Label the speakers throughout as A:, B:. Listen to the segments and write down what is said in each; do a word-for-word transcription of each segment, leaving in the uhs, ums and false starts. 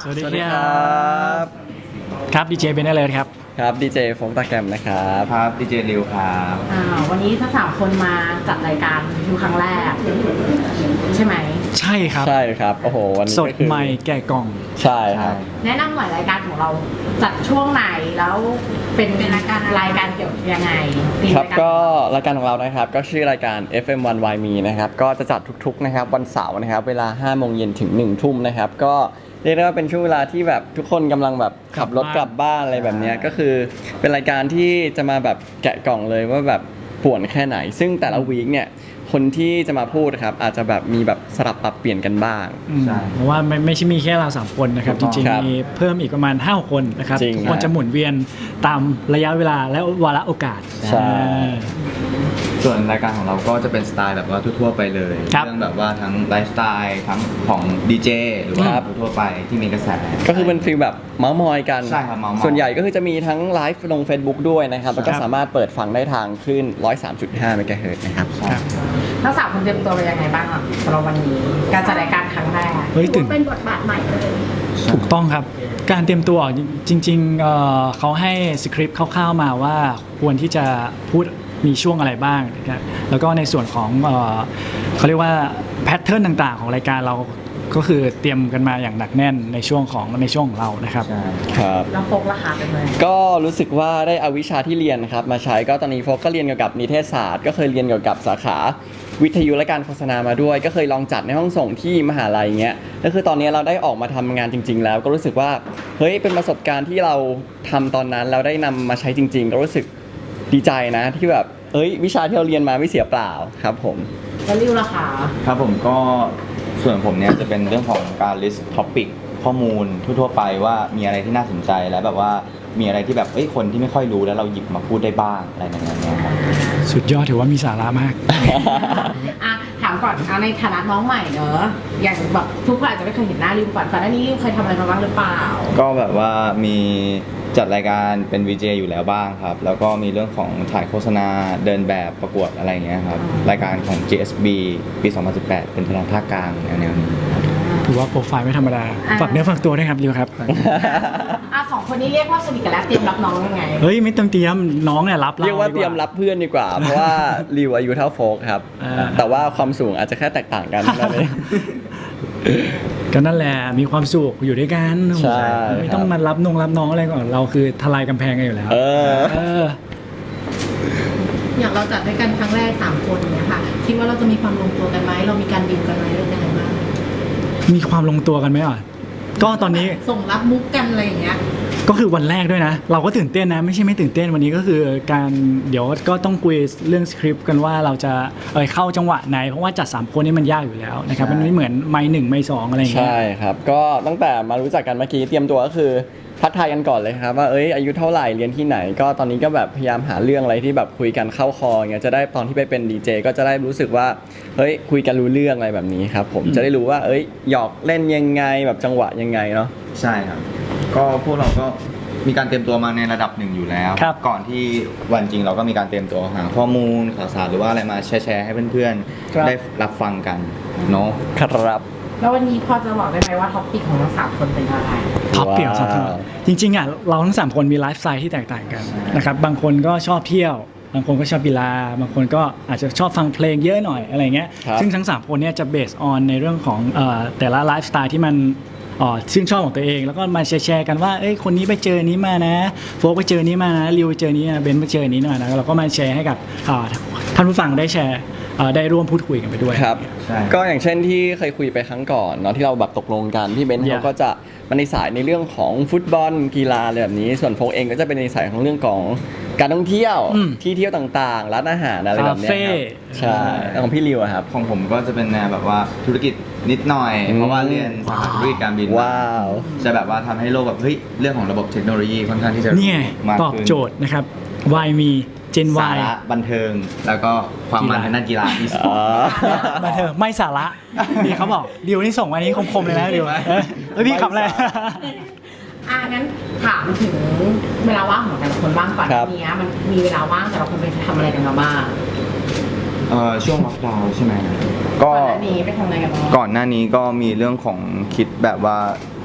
A: สวัสดีครับครับดีเจเบนเอเลอร์ครับ
B: ครับดีเจโฟงตาแกรมนะครับ
C: ครับดีเจริวครับ
D: อ่าวันนี้ทั้งสามคนมาจัดรายการดูครั้งแรกใช่ไหม
A: ใช่ครับ
B: ใช่ครับโอ้โหวันนี้
A: สดใหม่แก่กล่อง
B: ใช่ครับ
D: แนะนำหน่อยรายการของเราจัดช่วงไหนแล้วเป็นรายการรายการเกี่ยวกับยังไง
B: ครับก็รายการของเรานะครับก็ชื่อรายการ เอฟ เอ็ม วัน Why Me นะครับก็จะจัดทุกๆนะครับวันเสาร์นะครับเวลาห้าโมงเย็นถึงหนึ่งทุ่มนะครับก็เรียกได้ว่าเป็นช่วงเวลาที่แบบทุกคนกำลังแบบขับรถกลับบ้านอะไรแบบนี้ก็คือเป็นรายการที่จะมาแบบแกะกล่องเลยว่าแบบป่วนแค่ไหนซึ่งแต่ละวีคเนี่ยคนที่จะมาพูดครับอาจจะแบบมีแบบสลับปรับเปลี่ยนกันบ้าง
A: ใช่เพราะว่าไม่ไม่ใช่มีแค่เราสามคนนะครับจริงๆมีเพิ่มอีกประมาณห้าคนนะครับทุกคนจะหมุนเวียนตามระยะเวลาและวาระโอกาส
B: ใช่
C: ส่วนรายการของเราก็จะเป็นสไตล์แบบว่าทั่วๆไปเลยเรื่องแบบว่าทั้งไลฟ์สไตล์ทั้งของดีเจหรือว่าทั่วไปที่มีกระแส
B: ก็คือเป็นฟีลแบบเมาส์มอยกัน
C: ใช่ครับเมาส์มอย
B: ส่วนใหญ่ก็คือจะมีทั้งไลฟ์ลง Facebook ด้วยนะครับแล้วก็สามารถเปิดฟังได้ทางคลื่น หนึ่งร้อยสามจุดห้า เมกะเฮิรตซ์นะครับ
D: ทั้งสามคนเตรียมตัวไปยังไงบ้างครับสำหรับวันนี้การจัดรายการครั้งแรก
A: เฮ้ยตื่น
D: เป็นบทบาทใหม่เลย
A: ถูกต้องครับการเตรียมตัวจริงๆเอ่อเขาให้สคริปต์คร่าวๆมาว่าควรที่จะพูดมีช่วงอะไรบ้างนะครับแล้วก็ในส่วนของเอ่อเขาเรียกว่าแพทเทิร์นต่างๆของรายการเราก็คือเตรียมกันมาอย่างหนักแน่นในช่วงของในช่วงของเรานะครับ
B: ครับ
D: แล้วโฟกราคาเป็นไง
B: ก็รู้สึกว่าได้เอาวิชาที่เรียนนะครับมาใช้ก็ตอนนี้โฟกก็เรียนเกี่ยวกับนิเทศศาสตร์ก็เคยเรียนเกี่ยวกับสาขาวิทยุและการโฆษณามาด้วยก็เคยลองจัดในห้องส่งที่มหาลัยเงี้ยก็คือตอนนี้เราได้ออกมาทำงานจริงๆแล้วก็รู้สึกว่าเฮ้ยเป็นประสบการณ์ที่เราทำตอนนั้นเราได้นำมาใช้จริงๆก็รู้สึกดีใจนะที่แบบเอ้ยวิชาที่เราเรียนมาไม่เสียเปล่าครับผม
D: แล้วริวราคา
C: ครับผมก็ส่วนผมเนี่ยจะเป็นเรื่องของการ list topic ข้อมูลทั่วๆไปว่ามีอะไรที่น่าสนใจแล้วแบบว่ามีอะไรที่แบบเอ้ยคนที่ไม่ค่อยรู้แล้วเราหยิบมาพูดได้บ้างอะไรอย่างเงี้ยครับ
A: สุดยอดถือว่ามีสาระมาก
D: อ่ะถามก่อนเอาในฐานะน้องใหม่เนอะอย่างแบบทุกคนอาจจะไม่เคยเห็นหน้าริวก่อนก่อนหน้านี้ริวเคยทำอะไรมาบ้างหรือเปล่า
C: ก็แบบว่ามีจัดรายการเป็น วี เจ อยู่แล้วบ้างครับแล้วก็มีเรื่องของถ่ายโฆษณาเดินแบบประกวดอะไรอย่างเงี้ยครับรายการของ จี เอส บี ปี สองพันสิบแปดเป็นทางภาคกลางแนวๆนี้
A: ถือว่าโปรไฟล์ไม่ธรรมดาฝากเนื้อฝากตัวด้วยครับริวครับ
D: อ่ะสองคนนี้เรียกว่าสนิทกันแล้วเตรียมรับน้องยังไง
A: เฮ้ยไม่ต้องเตรียมน้องเนี่ยรับเรา
B: เรียกว่าเตรียมรับเพื่อนดีกว่าเพราะว่าริวอายุเท่าโฟกครับแต่ว่าความสูงอาจจะแค่แตกต่างกันนั่นเอง
A: ก็นั่นแหละมีความสุขอยู่ด้วยกันไม่ต้องมารับนงรับน้องอะไรก่อนเราคือทลายกำแพงกันอยู่แล้ว
B: เออ
E: อย่างเราจัดด้วยกันครั้งแรกสามคนเนี่ยค่ะคิดว่าเราจะมีความลงตัวกันไหมเรามีการดิวกันไหมหรือยังไงบ้าง
A: มีความลงตัวกันไหมอ่ะก็ตอนนี้
E: ส่งรับมุกกันอะไรอย่างเงี้ย
A: ก็คือวันแรกด้วยนะเราก็ตื่นเต้นนะไม่ใช่ไม่ตื่นเต้นวันนี้ก็คือการเดี๋ยวก็ต้องคุยเรื่องสคริปต์กันว่าเราจะเอ่ยเข้าจังหวะไหนเพราะว่าจัดสามคนนี่มันยากอยู่แล้วนะครับมันไม่เหมือนไมค์หนึ่งไมค์สองอะไรอย่างเงี้ย
B: ใช่ครับก็ตั้งแต่มารู้จักกันเมื่อกี้เตรียมตัวก็คือทักทายกันก่อนเลยครับว่าเอ้ยอายุเท่าไหร่เรียนที่ไหนก็ตอนนี้ก็แบบพยายามหาเรื่องอะไรที่แบบคุยกันเข้าคออย่างเงี้ยจะได้ตอนที่ไปเป็นดีเจก็จะได้รู้สึกว่าเฮ้ยคุยกันรู้เรื่องอะไรแบบนี้ครับผมจะได้รู้ว่าเอ้ยหยอกเล่นยังไงแบบจังหวะยังไงเนาะ
C: ใช่ครับก็พวกเราก็มีการเตรียมตัวมาในระดับหนึ่งอยู่แล้วก่อนที่วันจริงเราก็มีการเตรียมตัวหาข้อมูลข่าวสารหรือว่าอะไรมาแชร์ให้เพื่อนๆได้รับฟังกันเนาะ
B: ครับ
D: แล้ววันนี้พอจะบอกได้ไหมว่าท็อปปิกของทั้งสามคนเป็นอะไร
A: ท็อปปิกของสามคนจริงๆอ่ะเราทั้งสามคนมีไลฟ์สไตล์ที่แตกต่างกันนะครับบางคนก็ชอบเที่ยวบางคนก็ชอบกีฬาบางคนก็อาจจะชอบฟังเพลงเยอะหน่อยอะไรเงี้ยซึ่งทั้งสามคนเนี่ยจะเบสออนในเรื่องของเอ่อแต่ละไลฟ์สไตล์ที่มันอ๋อชื่นชอบของตัวเองแล้วก็มาแชร์กันว่าเอ้ยคนนี้ไปเจอนี้มานะโฟกไปเจอนี้มานะริวไปเจอนี้เบนไปเจอนี้หน่อยนะเราก็มาแชร์ให้กับท่านผู้ฟังได้แชร์ได้ร่วมพูดคุยกันไปด้วย
B: ครับก็อย่างเช่นที่เคยคุยไปครั้งก่อนเนาะที่เราแบบตกลงกันที่เบนเขาก็จะมาในสายในเรื่องของฟุตบอลกีฬาอะไรแบบนี้ส่วนโฟกเองก็จะเป็นในสายของเรื่องของการท่องเที่ยวที่เที่ยวต่างๆร้านอาหารอะไรแบบนี้ครับใช่ของพี่ริวครับ
C: ของผมก็จะเป็นแนวแบบว่าธุรกิจนิดหน่อยเพราะว่าเรียนสาขาธุรกิจการบิน
B: ว้าว
C: จะแบบว่าทำให้โลกแบบเฮ้ยเรื่องของระบบเทคโนโลยีค่อนข้างที่จะ
A: นี่ตอบโจทย์นะครับ Why Meเจน Y
C: สาระบันเทิงแล้วก็ความมันทางด้านกีฬาที่
A: อ๋อบันเทิงไม่สาระนี่เขาบอกริวนี่ส่งมานี้คมๆเลยนะริวเฮ้ยพี่ขำเลย
D: อ่ะงั้นถามถึงเวลาว่างของแต่ละคนบ้างก่อนนี้มันมีเวลาว่างแต่ละคนไปทำอะไรกันมาบ้าง
C: เอ่อช่วงล็อกดาวน์ใช่ไหม
D: ก็ก่อนหน้านี้ไปทำอะไรกันบ้าง
C: ก่อนหน้านี้ก็มีเรื่องของคิดแบบว่า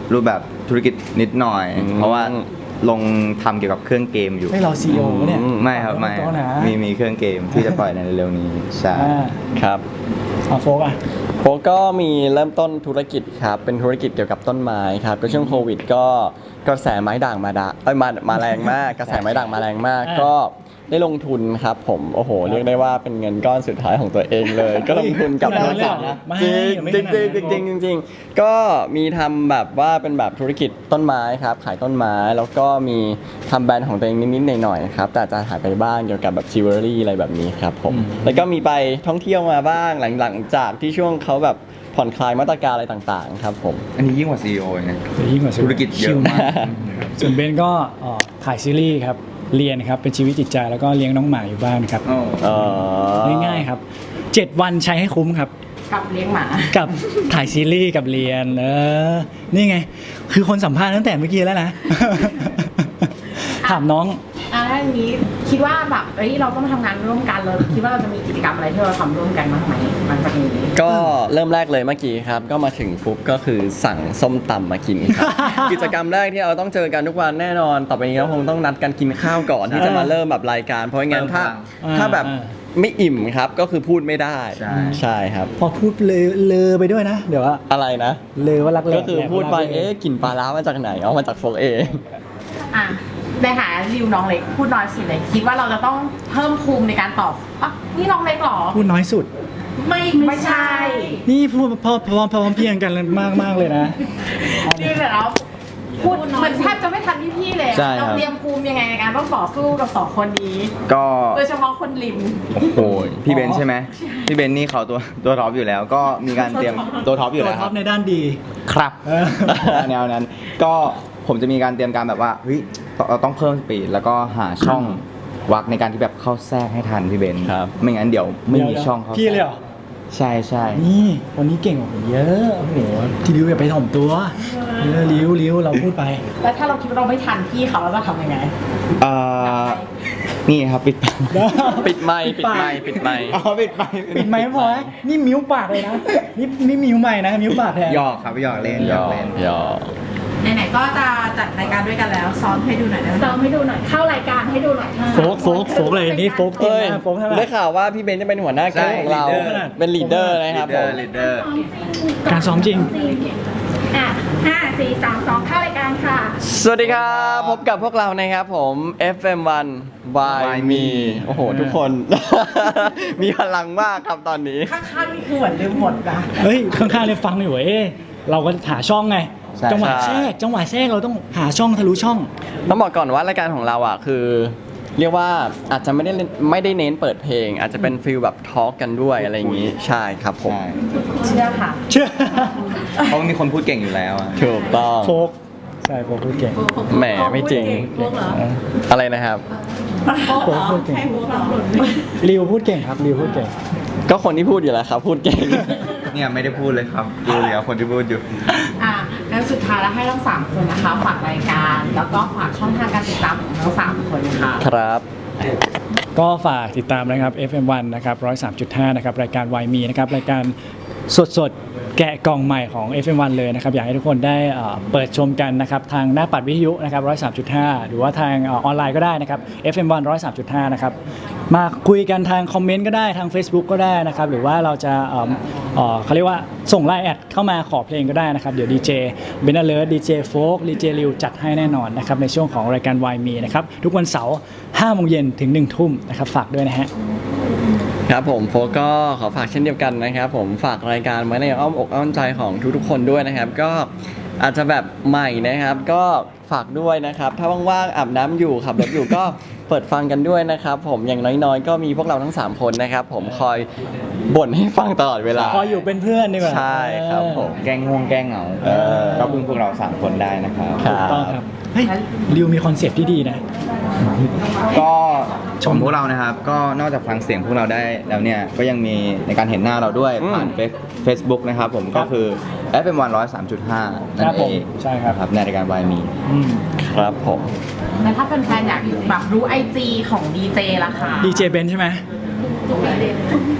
C: รูปแบบธุรกิจนิดหน่อย
B: อืม
C: เพราะว่าลงทำเกี่ยวกับเครื่องเกมอยู่
A: ให้เราซีอีโอเนี่ย
C: ไม่ครับไม่
A: ต้องนะ
C: มีมีเครื่องเกมที่จะปล่อยในเร็วๆนี้ใช่
A: อ่า
B: ครับ
A: เอาโฟกอ่ะ
B: โฟก็มีเริ่มต้นธุรกิจครับ เป็นธุรกิจเกี่ยวกับต้นไม้ครับ ก็ช่วงโควิดก็กระแสไม้ด่างมาดาเอ้ยมามาแรงมาก กระแสไม้ด่างมาแรงมาก
A: อ่า
B: ก็ได้ลงทุนครับผมโอ้โห เรียกได้ว่าเป็นเงินก้อนสุดท้ายของตัวเองเลย ก็ลงทุนกับ
A: ขนาด
B: ธุ
A: นั้
B: ร
A: นเลย
B: กิจ
A: เหรอไม่
B: จริง
A: ไม่
B: จริง
A: ขนาดนั้น
B: จริงจริงจริงจริงก็มีทำแบบว่าเป็นแบบธุรกิจต้นไม้ครับ ขายต้นไม้แล้วก็มีทำแบรนด์ของตัวเองนิดๆหน่อยๆครับแต่อาจจะหายไปบ้างเกี่ยวกับแบบจิวเวลรี่อะไรแบบนี้ครับผม
A: อืม
B: แล้วก็มีไปท่องเที่ยวมาบ้างหลังหลังจากที่ช่วงเขาแบบผ่อนคลายมาตรการอะไรต่างๆครับผม
C: อันนี้ยิ่งกว่า ซี อี โอ นะ
A: ยิ่งกว่า
C: ธุรกิจเยอะมาก
A: ส่วนเบนก็เอ่อถ่ายซีรีส์ครับเรียนครับเป็นชีวิตจิตใจแล้วก็เลี้ยงน้องหมาอยู่บ้านครับ
B: เออ
A: ง่ายๆครับเจ็ดวันใช้ให้คุ้มครับ
D: กับเลี้ยงหมา
A: กับถ่ายซีรีส์กับเรียนเออนี่ไง คือคนสัมภาษณ์ตั้งแต่เมื่อกี้แล้วนะ ถามน้อง
D: อ่าถ้าอย่างนี้คิดว่าแบบเอ้ยเราต้องทำงานร่วมกันเลยคิดว่าเราจะมีกิจกรรมอะไรที่เราทำร่วมกันบ้างไหมหลังจากนี้
B: ก็เริ่มแรกเลยเมื่อกี้ครับ ก็มาถึงปุ๊บก็คือสั่งส้มตำมากินครับ กิจกรรมแรกที่เราต้องเจอกันทุกวันแน่นอน ต่อไปนี้เราคงต้องนัดกันกินข้าวก่อนที่จะมาเริ่มแบบรายการ เพราะงั้นถ้า
A: อ่า
B: ถ้าแบบ
A: อ่า
B: ไม่อิ่มครับก็คือพูดไม่ได้
C: ใช่
B: ใช่ครับ
A: พอพูดเลอเลอไปด้วยนะ เดี๋ยวว่า
B: อะไรนะ
A: เลอว่ารักแหล
B: ก็คือพูดไป
A: แหลกว่ารักแหลก
B: เอ๊ะกลิ่นปลาร้ามาจากไหนเอามาจากโฟกเอง
D: อ่ะในหาริวน้องเล็กพูดน้อยสุดเลยคิดว่าเราจะต้องเพิ่มภูมิในการตอบอ่ะนี่น้องเล็กเหรอ
A: พูดน้อยสุด
D: ไม่ไม่ใช่
A: นี่พูดพอพร้อมพร้อมเพรียงกันมากมากๆเลยนะ
D: นี่เดี๋ยวเราพูดเหมือนแทบจะไม่ทันพี่ๆเลย
C: ใช่ครับ
D: เราเตรียมภูมิยังไงในการต้องต่อสู้กับสองคนนี้
C: ก็
D: โดยเฉพาะคนริม
C: โอ้ยพี่เบนซ์ใช่ไหมพี่เบนซ์นี่เขาตัวตัวท็อปอยู่แล้ว ก็มีการเตรียมตัวท็อปอยู่
A: ตัว
C: แล้วค
A: ท็อ
C: รั
A: ป
C: บ
A: ในด้านดี
C: ครับ
A: เออ
C: แนวนั้นก็ผมจะมีการเตรียมการแบบว่าเฮ้ยเราต้องเพิ่มสปีดแล้วก็หาช่องวักในการที่แบบเข้าแทรกให้ทันพี่เบนซ์
B: ครับ
C: ไม่งั้นเดี๋ยวไม่มีช่องเข้า
A: พี่เลยเหรอ
C: ใช่ใช่
A: นี่คนนี้เก่งกว่าผมเยอะโอ้โหทีริวอย่าไปถ่อมตัวเออริวริวเราพูดไป
D: แล้วถ้าเราคิดว่าเราไม่ทันพี่เขาเราจะทำยังไง
C: เอ่อนี่ครับปิดปาก
B: ปิดไมค์ปิดไมค์ปิดไมค์
C: อ๋อปิดไป
A: ปิดไมค์ไม่พอนะนี่มิ้วปากเลยนะนี่นี่มิ้วใหม่นะมิ้วปากแทน
C: หยอกครับหยอกเล่นหยอกเล่น
B: หยอก
E: ไหนๆก็จะจัดรายการด้วยกันแล้วซ้อมให้ดูหน่อยได้ไหม
F: ซ้อมให้ดูหน่อย เข้ารายการให้ดูหน่อย
A: โฟกโฟกโฟกเลยนี่โฟกเก่ง
B: เอ้ย
A: มากโฟกเท่าไหร่
B: ได้ข่าวว่าพี่เบนจะเป็นหัวหน้าแก๊งของเรา
C: ใช่ leader
B: เป็นลีดเดอร์นะครับผม
C: ลีดเดอร์
A: การซ้อมจริง
F: อ่ะห้าสี่สามสองเข้ารายการค่ะ
B: สวัสดีครับ พบกับพวกเรานะครับผม เอฟ เอ็ม วัน Why
C: Why
B: Me
C: Me
B: โอ้โห ทุกคน มีพลังมากครับตอนนี้
D: ข้างๆนี่คือเหมือนลืมหมดนะ
A: เฮ้ยข้างๆเลยฟังอยู่เอ๊ะเราก็หาช่องไง
C: ใช่
A: จังหวะ
B: ใช่
A: แทรกจังหวะแทรกเราต้องหาช่องทะลุช่อง
B: ต้องบอกก่อนว่ารายการของเราอ่ะคือ เรียกว่าอาจจะไม่ได้เน้นไม่ได้เน้นเปิดเพลง อาจจะเป็นฟิลแบบทอล์กกันด้วยอะไรอย่างนี้ ใช่ครับผม
C: ใช่
D: เชื่อค่ะ
A: เชื่อ
C: เพราะมีคนพูดเก่งอยู่แล้วอะ
B: ถูกต้อง
A: โฟกใช่โฟกพูดเก่ง
B: แหมไม่จริง
E: พวกเหรอ
B: อะไรนะครับ
A: โฟกพูดเก่ง
E: ให้พวกเหรอ
A: ริวพูดเก่งครับริวพูดเก่ง
B: ก็คนที่พูดอยู่แล้วครับ พูดเก่ง
C: เนี่ยไม่ได้พูดเลยครับดูเลยครับคนที่พูดอยู่
D: อ่ะงั้นสุดท้ายแล้วให้ทั้งสามคนนะคะฝากรายการ แล้วก็ฝากช่องทางการติดตามของทั้งสามคนค่ะ
B: ครับ
A: ก็ฝากติดตามนะครับ เอฟ เอ็ม วัน นะครับ หนึ่งร้อยสามจุดห้า นะครับ รายการ Why Me นะครับ รายการสดๆ แกะกล่องใหม่ของ เอฟ เอ็ม วัน เลยนะครับ อยากให้ทุกคนได้เอ่อเปิดชมกันนะครับ ทางหน้าปัดวิทยุนะครับ หนึ่งร้อยสามจุดห้า หรือว่าทางเออออนไลน์ก็ได้นะครับ เอฟ เอ็ม วัน หนึ่งร้อยสามจุดห้า นะครับ มาคุยกันทางคอมเมนต์ก็ได้ทาง Facebook ก็ได้นะครับ หรือว่าเราจะเอ่อเอ่อเขาเรียกว่าส่งไลน์แอดเข้ามาขอเพลงก็ได้นะครับ เดี๋ยวดีเจเบนเลิร์ดดีเจโฟกดีเจริวจัดให้แน่นอนนะครับในช่วงของรายการ Why Me นะครับทุกวันเสาร์ห้าโมงเย็นถึงหนึ่งทุ่มนะครับฝากด้วยนะฮะ
B: ครับผมโฟก็ขอฝากเช่นเดียวกันนะครับผมฝากรายการไว้ในอ้อมอกอ้อมใจของทุกๆคนด้วยนะครับ ก็อาจจะแบบใหม่นะครับ ก็ฝากด้วยนะครับ ถ้าว่างๆอาบน้ำอยู่ขับรถอยู่ก็เปิดฟังกันด้วยนะครับ ผมอย่างน้อยๆ ก็มีพวกเราทั้งสามคนนะครับ ผมคอยบ่นให้ฟังตลอดเวลา
A: พออยู่เป็นเพื่อนดีกว่า
B: ใช่ครับผม
C: แกล้งง่วงแกล้งเหงา
B: เออ
C: ก็พึ่งพวกเราสามคนได้นะครับ
B: ครั
A: ถูกต้องครับ เฮ้ยริวมีคอนเซปต์ที่ดีนะ
C: ก็ชมพวกเรานะครับ ก็นอกจากฟังเสียงพวกเราได้แล้วเนี่ย ก็ยังมีในการเห็นหน้าเราด้วย
B: อืม
C: ผ่านเฟซบุ๊กนะครับผมก็คือ เอฟ เอ็ม วัน หนึ่งร้อยสามจุดห้า นั่
A: ครับ
C: นเอ
A: ผม
C: ง
A: ใช่ครับ
C: ในรายการวายมี
A: อืม
B: ครับผม
D: แล้วถ้าเป็นแฟนๆอยากแบบรู้ไอจีของดีเจล่ะคะ
A: ดีเจเบนใช่ไหม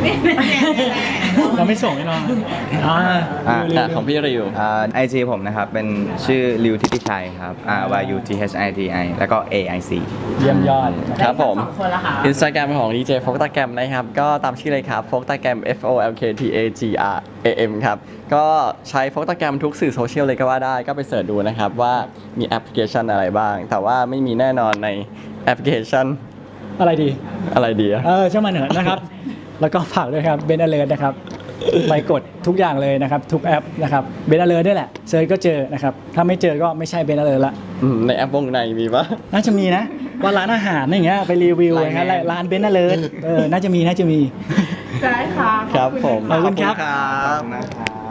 A: เราไม่ส่งให้น้องอ่า
C: อ่า
A: เร็วๆ
B: อ่ะของพี่ริว
C: ไอจีผมนะครับ เป็นชื่อริวทิติชัยครับ R Y U T H I T I แล้วก็ A I C
A: เยี่ยมยอด
B: ครับผม
D: สองคนละค่ะ
B: อินสตาแกรมของ ดี เจ โฟกตาแกรมนะครับ ก็ตามชื่อเลยครับโฟกตาแกรม F O L K T A G R A M ครับ ก็ใช้โฟกตาแกรมทุกสื่อโซเชียลเลยก็ว่าได้ก็ไปเสิร์ชดูนะครับ ว่ามีแอปพลิเคชันอะไรบ้าง แต่ว่าไม่มีแน่นอนในแอปพลิเคชัน
A: อะไรดี
B: อะไรดีอะ
A: เออช่างมันเถอะนะครับ แล้วก็ฝากด้วยครับเบนอเลอร์นะครับไปกดทุกอย่างเลยนะครับ ทุกแอปนะครับเบนอเลอร์ด้วยแหละเซิร์ชก็เจอนะครับ ถ้าไม่เจอก็ไม่ใช่เบนอเลอร์ละ
B: อืมในแอปวงในมีปะ
A: น่าจะมีนะ ว่าร้านอาหารอย่างเงี้ยไปรีวิวนะฮะ
B: Line Man
A: ร้านเบนอเลอร์เออน่าจะมีน่าจะมี
F: ได้ค่ะ
B: ครับผม
A: ขอบคุณครับ
B: ขอบคุณครับ
C: นะครับ